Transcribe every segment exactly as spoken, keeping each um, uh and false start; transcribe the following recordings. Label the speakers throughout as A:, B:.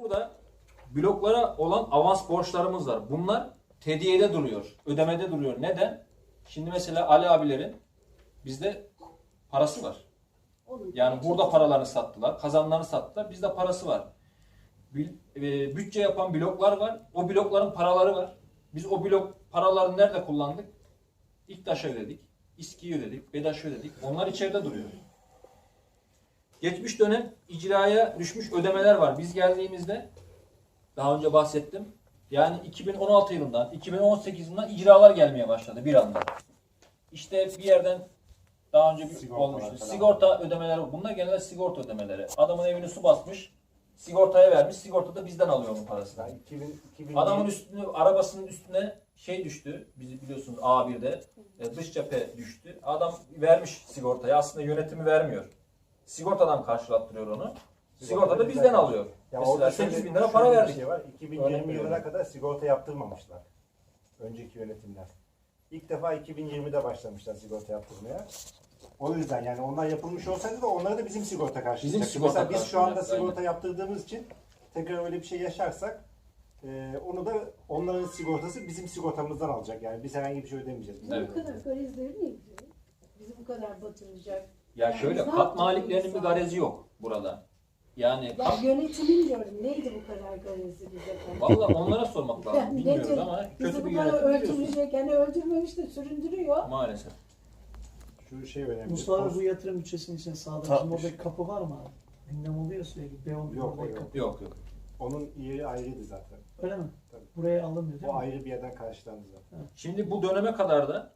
A: burada bloklara olan avans borçlarımız var. Bunlar tediyede duruyor, ödemede duruyor. Neden? Şimdi mesela Ali abilerin bizde parası var. Yani burada paralarını sattılar, kazanlarını sattılar. Bizde parası var. Bütçe yapan bloklar var. O blokların paraları var. Biz o blok paralarını nerede kullandık? İktaş'a ödedik, İSKİ'ye ödedik, BEDAŞ'a ödedik. Onlar içeride duruyor. Geçmiş dönem icraya düşmüş ödemeler var. Biz geldiğimizde daha önce bahsettim. Yani iki bin on altı yılından, iki bin on sekiz yılından icralar gelmeye başladı bir anda. İşte bir yerden daha önce bir olmuştu. Sigorta ödemeleri, bunlar genelde sigorta ödemeleri. Adamın evini su basmış, sigortaya vermiş, sigorta da bizden alıyor onun parasını. Yani iki bin, iki bin Adamın üstüne, arabasının üstüne şey düştü, bizi biliyorsunuz A bir'de dış cephe düştü. Adam vermiş sigortaya, aslında yönetimi vermiyor. Sigortadan karşılattırıyor onu. Sigorta da bizden alıyor.
B: Ya
A: mesela sekiz bin lira para verdik.
B: Şey var. iki bin yirmi yılına kadar sigorta yaptırmamışlar. Önceki yönetimler. İlk defa iki bin yirmide başlamışlar sigorta yaptırmaya. O yüzden yani onlar yapılmış olsaydı da onlara da bizim sigorta karşılayacak.
A: Bizim sigorta
B: Mesela biz şu anda
A: karşılayacak,
B: sigorta aynen. yaptırdığımız için tekrar öyle bir şey yaşarsak e, onu da onların sigortası bizim sigortamızdan alacak. Yani biz herhangi bir şey ödemeyeceğiz.
C: Bizim evet. bu kadar garezleri ne gidiyor? Bizi bu kadar batıracak.
A: Ya yani şöyle kat maliklerinin bir garezi yok burada. Yani
C: ya
A: kat...
C: yönetimin diyorum. Neydi bu kadar garezi bize?
A: Vallahi onlara sormak lazım.
C: Yani
A: bilmiyoruz
C: nedir?
A: ama kötü
C: bizi
A: bir
C: bu kadar
A: yönetim
C: öldürecek. Yani öldürmemiş de süründürüyor.
A: Maalesef.
B: Şu şey önemli.
D: Mustafa bu yatırım bütçesinin içine sağladı. Şimdi oradaki kapı var mı abi? Gündem oluyor sürekli. Beyon
B: yok,
D: yok,
B: yok.
A: yok yok.
B: Onun yeri ayrıydı zaten.
D: Öyle mi?
B: Tabii.
D: Buraya alınmıyor değil
B: o
D: mi?
B: O ayrı bir yerden karşılandı zaten.
D: Evet.
A: Şimdi bu döneme kadar da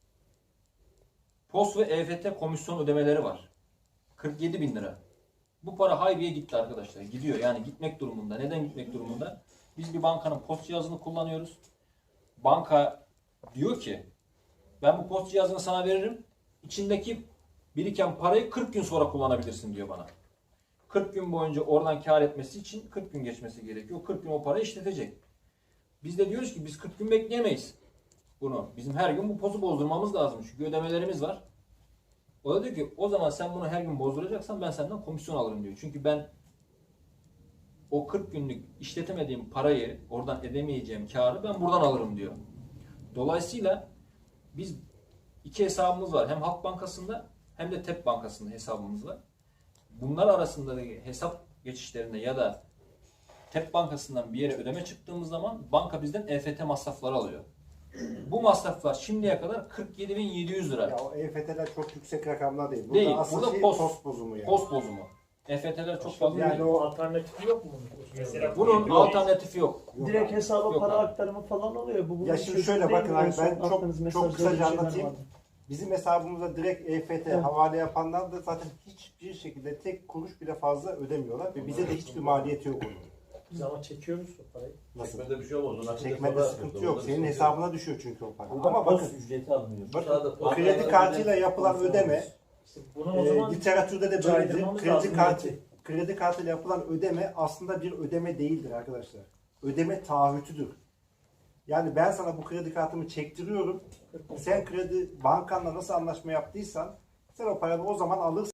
A: POS ve E F T komisyon ödemeleri var. kırk yedi bin lira. Bu para haybiye gitti arkadaşlar. Gidiyor yani gitmek durumunda. Neden gitmek durumunda? Biz bir bankanın post cihazını kullanıyoruz. Banka diyor ki ben bu post cihazını sana veririm. İçindeki biriken parayı kırk gün sonra kullanabilirsin diyor bana. kırk gün boyunca oradan kar etmesi için kırk gün geçmesi gerekiyor. kırk gün o parayı işletecek. Biz de diyoruz ki biz kırk gün bekleyemeyiz bunu. Bizim her gün bu pozu bozdurmamız lazım. Çünkü ödemelerimiz var. O da diyor ki o zaman sen bunu her gün bozduracaksan ben senden komisyon alırım diyor. Çünkü ben o kırk günlük işletemediğim parayı, oradan edemeyeceğim karı ben buradan alırım diyor. Dolayısıyla biz iki hesabımız var. Hem Halk Bankası'nda hem de T E P Bankası'nda hesabımız var. Bunlar arasındaki hesap geçişlerinde ya da T E P Bankası'ndan bir yere ödeme çıktığımız zaman banka bizden E F T masrafları alıyor. Bu masraflar şimdiye kadar kırk yedi bin yedi yüz lira.
B: Ya o E F T'ler çok yüksek rakamlar değil. Burada
A: değil.
B: asıl
A: Burada
B: şey
A: post,
B: post bozumu yani.
A: Post bozumu. E F T'ler çok fazla
B: yani
A: değil.
B: o
E: alternatifi yok mu?
A: Mesela bunun alternatifi yok.
B: yok
D: Direkt
B: abi.
D: hesaba
A: Yok
D: para
A: abi.
D: aktarımı falan oluyor. Bu
B: Ya şimdi şöyle bakın abi, ben çok çok kısaca
D: şeyler
B: anlatayım.
D: vardı.
B: Bizim hesabımıza direkt E F T
D: Evet.
B: havale yapanlar da zaten hiçbir şekilde tek kuruş bile fazla ödemiyorlar ve bize de hiçbir maliyeti yok onun.
E: Biz ama çekiyor musun parayı?
B: Nasıl?
F: Çekmede bir şey olmaz. Nakit
B: Çekmede
F: hesaba
B: sıkıntı
F: yapıyoruz.
B: yok.
F: Orada
B: Senin
F: bir
B: hesabına düşüyor çünkü o para.
F: Burada
B: Ama
F: post
B: bakın,
F: ücreti alınıyor.
B: bakın
F: Dışarıda
B: kredi
F: post-
B: kartıyla yapılan ödeme,
E: İşte bunu o
B: e,
E: zaman
B: literatürde de böyledir.
E: caydırmamız
B: Kredi
E: lazım
B: kartı,
E: belki.
B: kredi kartıyla yapılan ödeme aslında bir ödeme değildir arkadaşlar. Ödeme taahhütüdür. Yani ben sana bu kredi kartımı çektiriyorum. Sen kredi bankanla nasıl anlaşma yaptıysan sen o parayı o zaman alırsın.